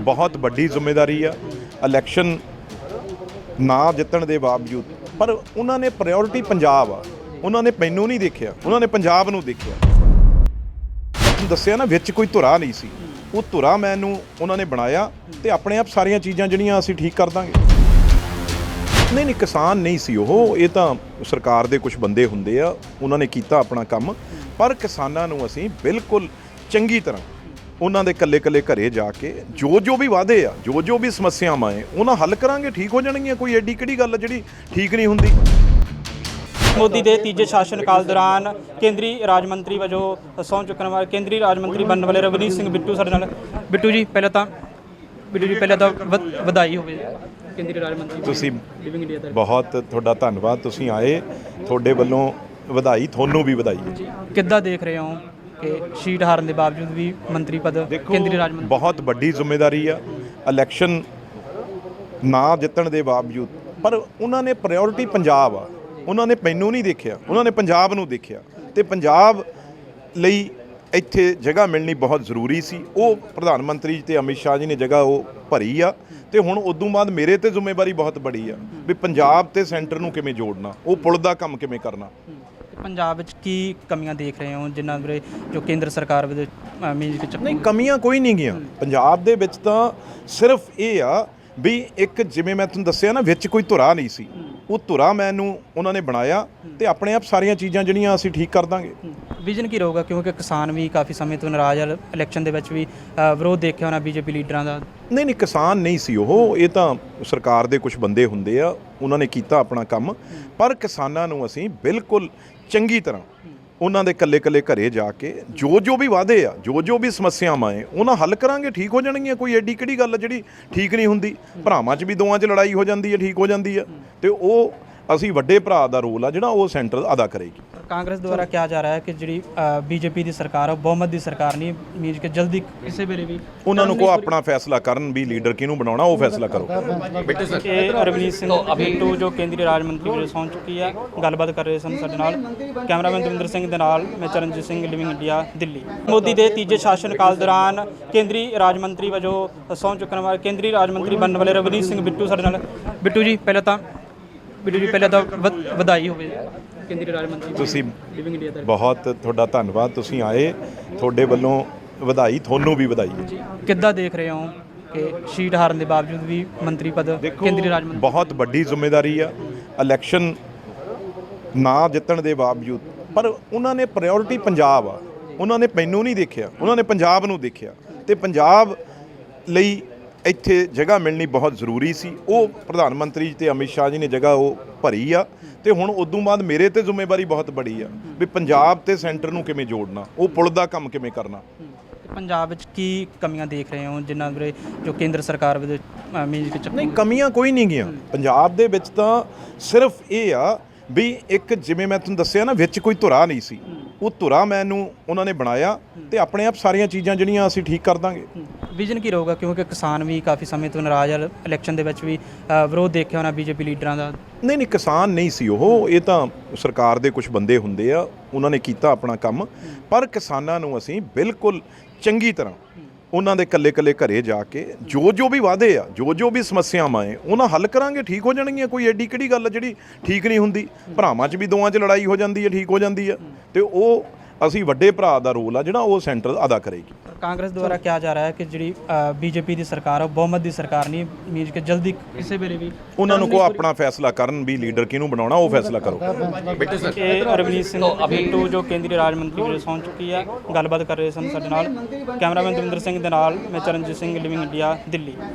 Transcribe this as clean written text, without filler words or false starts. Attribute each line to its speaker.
Speaker 1: बहुत वड्डी जिम्मेदारी आ। इलैक्शन ना जितण दे बावजूद पर उन्होंने प्रायोरिटी पंजाब आ, उन्होंने मैनू नहीं देखिया, उन्होंने पंजाब नूं देखिया। दस्सिया ना विच कोई धुरा नहीं सी, वो धुरा मैनू उन्होंने बनाया तो अपने आप सारिया चीज़ां जिहड़ियां असीं ठीक कर दांगे। नहीं किसान नहीं सी ਉਹ, ਇਹ ਤਾਂ ਸਰਕਾਰ ਦੇ ਕੁਝ ਬੰਦੇ ਹੁੰਦੇ ਆ, ਉਹਨਾਂ ਨੇ ਕੀਤਾ ਆਪਣਾ ਕੰਮ। ਪਰ ਕਿਸਾਨਾਂ ਨੂੰ ਅਸੀਂ ਬਿਲਕੁਲ ਚੰਗੀ ਤਰ੍ਹਾਂ ਉਹਨਾਂ ਦੇ ਕੱਲੇ ਘਰੇ ਜਾ ਕੇ ਜੋ ਵੀ ਵਾਅਦੇ ਆ, ਜੋ ਵੀ ਸਮੱਸਿਆਵਾਂ ਹੈ ਉਹਨਾਂ ਹੱਲ ਕਰਾਂਗੇ, ਠੀਕ ਹੋ ਜਾਣਗੀਆਂ। ਕੋਈ ਐਡੀ ਕਿਹੜੀ ਗੱਲ ਜਿਹੜੀ ਠੀਕ ਨਹੀਂ ਹੁੰਦੀ।
Speaker 2: ਮੋਦੀ ਦੇ ਤੀਜੇ ਸ਼ਾਸਨ ਕਾਲ ਦੌਰਾਨ ਕੇਂਦਰੀ ਰਾਜ ਮੰਤਰੀ ਵਜੋਂ ਸਹੁੰ ਚੁੱਕਣ ਵਾਲੇ ਕੇਂਦਰੀ ਰਾਜ ਮੰਤਰੀ ਬਣਨ ਵਾਲੇ ਰਵਨੀਤ ਸਿੰਘ ਬਿੱਟੂ ਸਾਡੇ ਨਾਲ। ਬਿੱਟੂ ਜੀ ਪਹਿਲਾਂ ਤਾਂ ਵਧਾਈ ਹੋਵੇ ਕੇਂਦਰੀ ਰਾਜ ਮੰਤਰੀ
Speaker 1: ਤੁਸੀਂ
Speaker 2: ਲਿਵਿੰਗ ਇੰਡੀਆ ਦਾ।
Speaker 1: ਬਹੁਤ ਤੁਹਾਡਾ ਧੰਨਵਾਦ, ਤੁਸੀਂ ਆਏ, ਤੁਹਾਡੇ ਵੱਲੋਂ ਵਧਾਈ, ਤੁਹਾਨੂੰ ਵੀ ਵਧਾਈ ਹੈ।
Speaker 2: ਕਿੱਦਾਂ ਦੇਖ ਰਹੇ ਹੋ ਕਿ ਸੀਟ ਹਾਰਨ ਦੇ ਬਾਵਜੂਦ ਵੀ ਮੰਤਰੀ ਪਦ ਕੇਂਦਰੀ ਰਾਜ ਮੰਤਰੀ?
Speaker 1: ਬਹੁਤ ਵੱਡੀ ਜ਼ਿੰਮੇਵਾਰੀ ਆ। ਇਲੈਕਸ਼ਨ ਨਾ ਜਿੱਤਣ ਦੇ ਬਾਵਜੂਦ ਪਰ ਉਹਨਾਂ ਨੇ ਪ੍ਰਾਇੋਰਟੀ ਪੰਜਾਬ ਆ, ਉਹਨਾਂ ਨੇ ਮੈਨੂੰ ਨਹੀਂ ਦੇਖਿਆ, ਉਹਨਾਂ ਨੇ ਪੰਜਾਬ ਨੂੰ ਦੇਖਿਆ ਤੇ ਪੰਜਾਬ ਲਈ ਇੱਥੇ ਜਗ੍ਹਾ ਮਿਲਣੀ ਬਹੁਤ ਜ਼ਰੂਰੀ ਸੀ। ਉਹ ਪ੍ਰਧਾਨ ਮੰਤਰੀ ਤੇ ਅਮਿਤ ਸ਼ਾਹ ਜੀ ਨੇ ਜਗ੍ਹਾ ਉਹ ਭਰੀ ਆ ਤੇ ਹੁਣ ਉਦੋਂ ਬਾਅਦ ਮੇਰੇ ਤੇ ਜ਼ਿੰਮੇਵਾਰੀ ਬਹੁਤ ਬੜੀ ਆ ਵੀ ਪੰਜਾਬ ਤੇ ਸੈਂਟਰ ਨੂੰ ਕਿਵੇਂ ਜੋੜਨਾ, ਉਹ ਪੁਲ ਦਾ ਕੰਮ ਕਿਵੇਂ ਕਰਨਾ।
Speaker 2: ਪੰਜਾਬ ਵਿੱਚ ਕੀ ਕਮੀਆਂ ਦੇਖ ਰਹੇ ਹੋ ਜਿਨ੍ਹਾਂ ਬਾਰੇ ਜੋ ਕੇਂਦਰ ਸਰਕਾਰ ਵਿੱਚ
Speaker 1: ਨਹੀਂ ਕਮੀਆਂ ਕੋਈ ਨਹੀਂ ਗਈਆਂ ਪੰਜਾਬ ਦੇ ਵਿੱਚ, ਤਾਂ ਸਿਰਫ ਇਹ ਆ ਵੀ ਇੱਕ ਜਿਵੇਂ ਮੈਂ ਤੁਹਾਨੂੰ ਦੱਸਿਆ ਨਾ ਵਿੱਚ ਕੋਈ ਧੁਰਾ ਨਹੀਂ ਸੀ, ਉਹ ਧੁਰਾ ਮੈਨੂੰ ਉਹਨਾਂ ਨੇ ਬਣਾਇਆ ਤੇ ਆਪਣੇ ਆਪ ਸਾਰੀਆਂ ਚੀਜ਼ਾਂ ਜਿਹੜੀਆਂ ਅਸੀਂ ਠੀਕ ਕਰ ਦਾਂਗੇ।
Speaker 2: ਵਿਜ਼ਨ ਕੀ ਰਹੂਗਾ ਕਿਉਂਕਿ ਕਿਸਾਨ ਵੀ ਕਾਫੀ ਸਮੇਂ ਤੋਂ ਨਾਰਾਜ਼ ਆ, ਇਲੈਕਸ਼ਨ ਦੇ ਵਿੱਚ ਵੀ ਵਿਰੋਧ ਦੇਖਿਆ ਹੋਣਾ ਬੀਜੇਪੀ ਲੀਡਰਾਂ ਦਾ।
Speaker 1: ਨਹੀਂ ਕਿਸਾਨ ਨਹੀਂ ਸੀ ਉਹ, ਇਹ ਤਾਂ ਸਰਕਾਰ ਦੇ ਕੁਝ ਬੰਦੇ ਹੁੰਦੇ ਆ, ਉਹਨਾਂ ਨੇ ਕੀਤਾ ਆਪਣਾ ਕੰਮ। ਪਰ ਕਿਸਾਨਾਂ ਨੂੰ ਅਸੀਂ ਬਿਲਕੁਲ ਚੰਗੀ ਤਰ੍ਹਾਂ ਉਹਨਾਂ ਦੇ ਕੱਲੇ ਘਰੇ ਜਾ ਕੇ ਜੋ ਵੀ ਵਾਅਦੇ ਆ, ਜੋ ਵੀ ਸਮੱਸਿਆਵਾਂ ਹੈ ਉਹਨਾਂ ਹੱਲ ਕਰਾਂਗੇ, ਠੀਕ ਹੋ ਜਾਣਗੀਆਂ। ਕੋਈ ਐਡੀ ਕਿਹੜੀ ਗੱਲ ਜਿਹੜੀ ਠੀਕ ਨਹੀਂ ਹੁੰਦੀ। ਭਰਾਵਾਂ 'ਚ ਵੀ ਦੋਵਾਂ 'ਚ ਲੜਾਈ ਹੋ ਜਾਂਦੀ ਹੈ, ਠੀਕ ਹੋ ਜਾਂਦੀ ਹੈ ਤੇ ਉਹ ਅਸੀਂ ਵੱਡੇ ਭਰਾ ਦਾ ਰੋਲ ਆ ਜਿਹੜਾ ਉਹ ਸੈਂਟਰ ਅਦਾ ਕਰੇਗੀ।
Speaker 2: ਕਾਂਗਰਸ ਦੁਆਰਾ ਕਿਹਾ ਜਾ ਰਿਹਾ ਹੈ ਕਿ ਜਿਹੜੀ ਬੀਜੇਪੀ ਦੀ ਸਰਕਾਰ ਆ ਬਹੁਮਤ ਦੀ ਸਰਕਾਰ ਨਹੀਂ, ਮੀਨਸ ਕਿ ਜਲਦੀ ਕਿਸੇ ਵੇਲੇ ਵੀ
Speaker 1: ਉਹਨਾਂ ਨੂੰ ਕੋ ਆਪਣਾ ਫੈਸਲਾ ਕਰਨ ਵੀ ਲੀਡਰ ਕਿਹਨੂੰ ਬਣਾਉਣਾ ਉਹ ਫੈਸਲਾ ਕਰੋ।
Speaker 2: ਇਹ ਰਵਨੀਤ ਸਿੰਘ ਬਿੱਟੂ ਜੋ ਕੇਂਦਰੀ ਰਾਜ ਮੰਤਰੀ ਵਜੋਂ ਸਹੁੰ ਚੁੱਕੀ ਆ, ਗੱਲਬਾਤ ਕਰ ਰਹੇ ਸਨ ਸਾਡੇ ਨਾਲ। ਕੈਮਰਾਮੈਨ ਦਵਿੰਦਰ ਸਿੰਘ ਦੇ ਨਾਲ ਮੈਂ ਚਰਨਜੀਤ ਸਿੰਘ, ਲਿਵਿੰਗ ਇੰਡੀਆ, ਦਿੱਲੀ। ਮੋਦੀ ਦੇ ਤੀਜੇ ਸ਼ਾਸਨ ਕਾਲ ਦੌਰਾਨ ਕੇਂਦਰੀ ਰਾਜ ਮੰਤਰੀ ਵਜੋਂ ਸਹੁੰ ਚੁੱਕਣ ਵਾਲੇ ਕੇਂਦਰੀ ਰਾਜ ਮੰਤਰੀ ਬਣਨ ਵਾਲੇ ਰਵਨੀਤ ਸਿੰਘ ਬਿੱਟੂ ਸਾਡੇ ਨਾਲ। ਬਿੱਟੂ ਜੀ ਪਹਿਲਾਂ ਤਾਂ ਵਧਾਈ ਹੋਵੇ ਕੇਂਦਰੀ ਰਾਜ ਮੰਤਰੀ
Speaker 1: ਤੁਸੀਂ
Speaker 2: ਲਿਵਿੰਗ ਇੰਡੀਆ ਦਾ।
Speaker 1: ਬਹੁਤ ਤੁਹਾਡਾ ਧੰਨਵਾਦ, ਤੁਸੀਂ ਆਏ, ਤੁਹਾਡੇ ਵੱਲੋਂ ਵਧਾਈ, ਤੁਹਾਨੂੰ ਵੀ ਵਧਾਈ ਹੈ।
Speaker 2: ਕਿੱਦਾਂ ਦੇਖ ਰਹੇ ਹੋ ਕਿ ਸੀਟ ਹਾਰਨ ਦੇ ਬਾਵਜੂਦ ਵੀ ਮੰਤਰੀ ਪਦ ਕੇਂਦਰੀ ਰਾਜ ਮੰਤਰੀ?
Speaker 1: ਬਹੁਤ ਵੱਡੀ ਜ਼ਿੰਮੇਵਾਰੀ ਆ। ਇਲੈਕਸ਼ਨ ਨਾ ਜਿੱਤਣ ਦੇ ਬਾਵਜੂਦ ਪਰ ਉਹਨਾਂ ਨੇ ਪ੍ਰਾਇੋਰਟੀ ਪੰਜਾਬ ਆ, ਉਹਨਾਂ ਨੇ ਮੈਨੂੰ ਨਹੀਂ ਦੇਖਿਆ, ਉਹਨਾਂ ਨੇ ਪੰਜਾਬ ਨੂੰ ਦੇਖਿਆ ਤੇ ਪੰਜਾਬ ਲਈ ਇੱਥੇ ਜਗ੍ਹਾ ਮਿਲਣੀ ਬਹੁਤ ਜ਼ਰੂਰੀ ਸੀ। ਉਹ ਪ੍ਰਧਾਨ ਮੰਤਰੀ ਤੇ ਅਮਿਤ ਸ਼ਾਹ ਜੀ ਨੇ ਜਗ੍ਹਾ ਉਹ ਭਰੀ ਆ ਤੇ ਹੁਣ ਉਦੋਂ ਬਾਅਦ ਮੇਰੇ ਤੇ ਜ਼ਿੰਮੇਵਾਰੀ ਬਹੁਤ ਬੜੀ ਆ ਵੀ ਪੰਜਾਬ ਤੇ ਸੈਂਟਰ ਨੂੰ ਕਿਵੇਂ ਜੋੜਨਾ, ਉਹ ਪੁਲ ਦਾ ਕੰਮ ਕਿਵੇਂ ਕਰਨਾ।
Speaker 2: ਪੰਜਾਬ ਵਿੱਚ ਕੀ ਕਮੀਆਂ ਦੇਖ ਰਹੇ ਹੋ ਜਿਨ੍ਹਾਂ ਬਾਰੇ ਜੋ ਕੇਂਦਰ ਸਰਕਾਰ ਵਿੱਚ
Speaker 1: ਨਹੀਂ ਕਮੀਆਂ ਕੋਈ ਨਹੀਂ ਗਈਆਂ ਪੰਜਾਬ ਦੇ ਵਿੱਚ, ਤਾਂ ਸਿਰਫ ਇਹ ਆ ਵੀ ਇੱਕ ਜਿਵੇਂ ਮੈਂ ਤੁਹਾਨੂੰ ਦੱਸਿਆ ਨਾ ਵਿੱਚ ਕੋਈ ਧੁਰਾ ਨਹੀਂ ਸੀ, ਉਹ ਧੁਰਾ ਮੈਨੂੰ ਉਹਨਾਂ ਨੇ ਬਣਾਇਆ ਤੇ ਆਪਣੇ ਆਪ ਸਾਰੀਆਂ ਚੀਜ਼ਾਂ ਜਿਹੜੀਆਂ ਅਸੀਂ ਠੀਕ ਕਰ ਦਾਂਗੇ।
Speaker 2: ਵਿਜ਼ਨ ਕੀ ਰਹੂਗਾ ਕਿਉਂਕਿ ਕਿਸਾਨ ਵੀ ਕਾਫੀ ਸਮੇਂ ਤੋਂ ਨਾਰਾਜ਼ ਆ, ਇਲੈਕਸ਼ਨ ਦੇ ਵਿੱਚ ਵੀ ਵਿਰੋਧ ਦੇਖਿਆ ਹੋਣਾ ਬੀਜੇਪੀ ਲੀਡਰਾਂ ਦਾ।
Speaker 1: ਨਹੀਂ ਕਿਸਾਨ ਨਹੀਂ ਸੀ ਉਹ, ਇਹ ਤਾਂ ਸਰਕਾਰ ਦੇ ਕੁਝ ਬੰਦੇ ਹੁੰਦੇ ਆ, ਉਹਨਾਂ ਨੇ ਕੀਤਾ ਆਪਣਾ ਕੰਮ। ਪਰ ਕਿਸਾਨਾਂ ਨੂੰ ਅਸੀਂ ਬਿਲਕੁਲ ਚੰਗੀ ਤਰ੍ਹਾਂ ਉਹਨਾਂ ਦੇ ਕੱਲੇ ਘਰੇ ਜਾ ਕੇ ਜੋ ਵੀ ਵਾਅਦੇ ਆ, ਜੋ ਵੀ ਸਮੱਸਿਆਵਾਂ ਹੈ ਉਹਨਾਂ ਹੱਲ ਕਰਾਂਗੇ, ਠੀਕ ਹੋ ਜਾਣਗੀਆਂ। ਕੋਈ ਐਡੀ ਕਿਹੜੀ ਗੱਲ ਜਿਹੜੀ ਠੀਕ ਨਹੀਂ ਹੁੰਦੀ। ਭਰਾਵਾਂ 'ਚ ਵੀ ਦੋਵਾਂ 'ਚ ਲੜਾਈ ਹੋ ਜਾਂਦੀ ਹੈ, ਠੀਕ ਹੋ ਜਾਂਦੀ ਹੈ ਤੇ ਉਹ ਅਸੀਂ ਵੱਡੇ ਭਰਾ ਦਾ ਰੋਲ ਆ ਜਿਹੜਾ ਉਹ ਸੈਂਟਰ ਅਦਾ ਕਰੇਗੀ।
Speaker 2: ਕਾਂਗਰਸ ਦੁਆਰਾ ਕਿਹਾ ਜਾ ਰਿਹਾ ਹੈ ਕਿ ਜਿਹੜੀ ਬੀਜੇਪੀ ਦੀ ਸਰਕਾਰ ਆ ਬਹੁਮਤ ਦੀ ਸਰਕਾਰ ਨਹੀਂ, ਮੀਨਸ ਕਿ ਜਲਦੀ ਕਿਸੇ ਵੇਲੇ ਵੀ
Speaker 1: ਉਹਨਾਂ ਨੂੰ ਕੋ ਆਪਣਾ ਫੈਸਲਾ ਕਰਨ ਵੀ ਲੀਡਰ ਕਿਹਨੂੰ ਬਣਾਉਣਾ ਉਹ ਫੈਸਲਾ ਕਰੋ।
Speaker 2: ਇਹ ਰਵਨੀਤ ਸਿੰਘ ਬਿੱਟੂ ਜੋ ਕੇਂਦਰੀ ਰਾਜ ਮੰਤਰੀ ਵਜੋਂ ਸਹੁੰ ਚੁੱਕੀ ਆ, ਗੱਲਬਾਤ ਕਰ ਰਹੇ ਸਨ ਸਾਡੇ ਨਾਲ। ਕੈਮਰਾਮੈਨ ਦਵਿੰਦਰ ਸਿੰਘ ਦੇ ਨਾਲ ਮੈਂ ਚਰਨਜੀਤ ਸਿੰਘ, ਲਿਵਿੰਗ ਇੰਡੀਆ, ਦਿੱਲੀ।